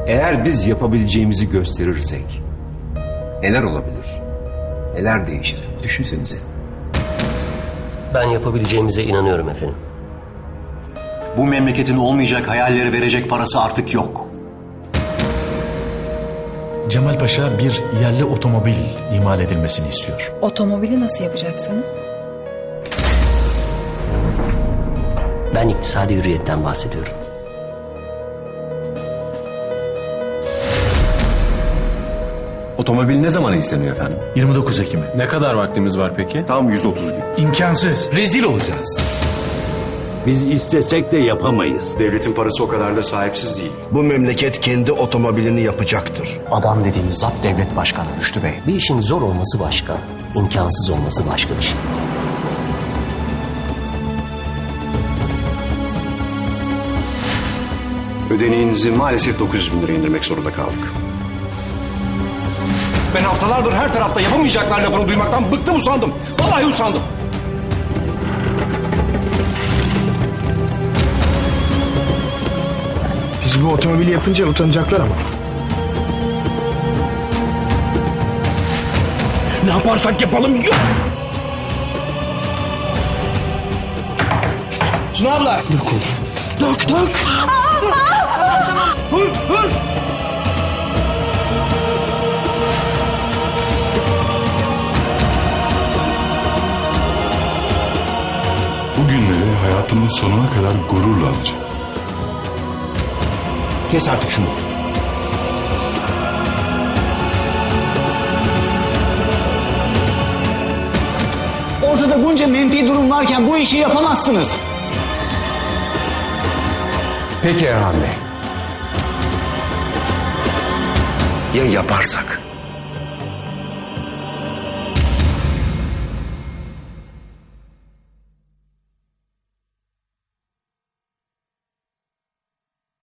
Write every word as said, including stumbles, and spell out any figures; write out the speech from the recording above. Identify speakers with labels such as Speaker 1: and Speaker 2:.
Speaker 1: Eğer biz yapabileceğimizi gösterirsek neler olabilir? Neler değişir? Düşünsenize.
Speaker 2: Ben yapabileceğimize inanıyorum efendim.
Speaker 3: Bu memleketin olmayacak hayalleri verecek parası artık yok.
Speaker 4: Cemal Paşa bir yerli otomobil imal edilmesini istiyor.
Speaker 5: Otomobili nasıl yapacaksınız?
Speaker 2: Ben iktisadi hürriyetten bahsediyorum.
Speaker 1: Otomobil ne zaman isteniyor efendim?
Speaker 4: yirmi dokuz Ekim'e.
Speaker 6: Ne kadar vaktimiz var peki?
Speaker 1: Tam yüz otuz gün.
Speaker 4: İmkansız. Rezil olacağız.
Speaker 7: Biz istesek de yapamayız.
Speaker 3: Devletin parası o kadar da sahipsiz değil.
Speaker 8: Bu memleket kendi otomobilini yapacaktır.
Speaker 3: Adam dediğiniz zat devlet başkanı Rüştü Bey.
Speaker 2: Bir işin zor olması başka, imkansız olması başka bir şey.
Speaker 3: Ödeneğinizi maalesef dokuz yüz bin liraya indirmek zorunda kaldık.
Speaker 8: Ben haftalardır her tarafta yapamayacaklar lafını duymaktan bıktım, usandım. Vallahi usandım.
Speaker 9: Biz bu otomobili yapınca utanacaklar ama.
Speaker 7: Ne yaparsak yapalım yok.
Speaker 8: Sunu abla.
Speaker 7: Dök dök.
Speaker 8: Hır hır.
Speaker 10: Bu günleri hayatımın sonuna kadar gururla alacağım.
Speaker 8: Kes artık şunu.
Speaker 9: Ortada bunca menfi durum varken bu işi yapamazsınız.
Speaker 8: Peki Erhan Bey. Ya yaparsak?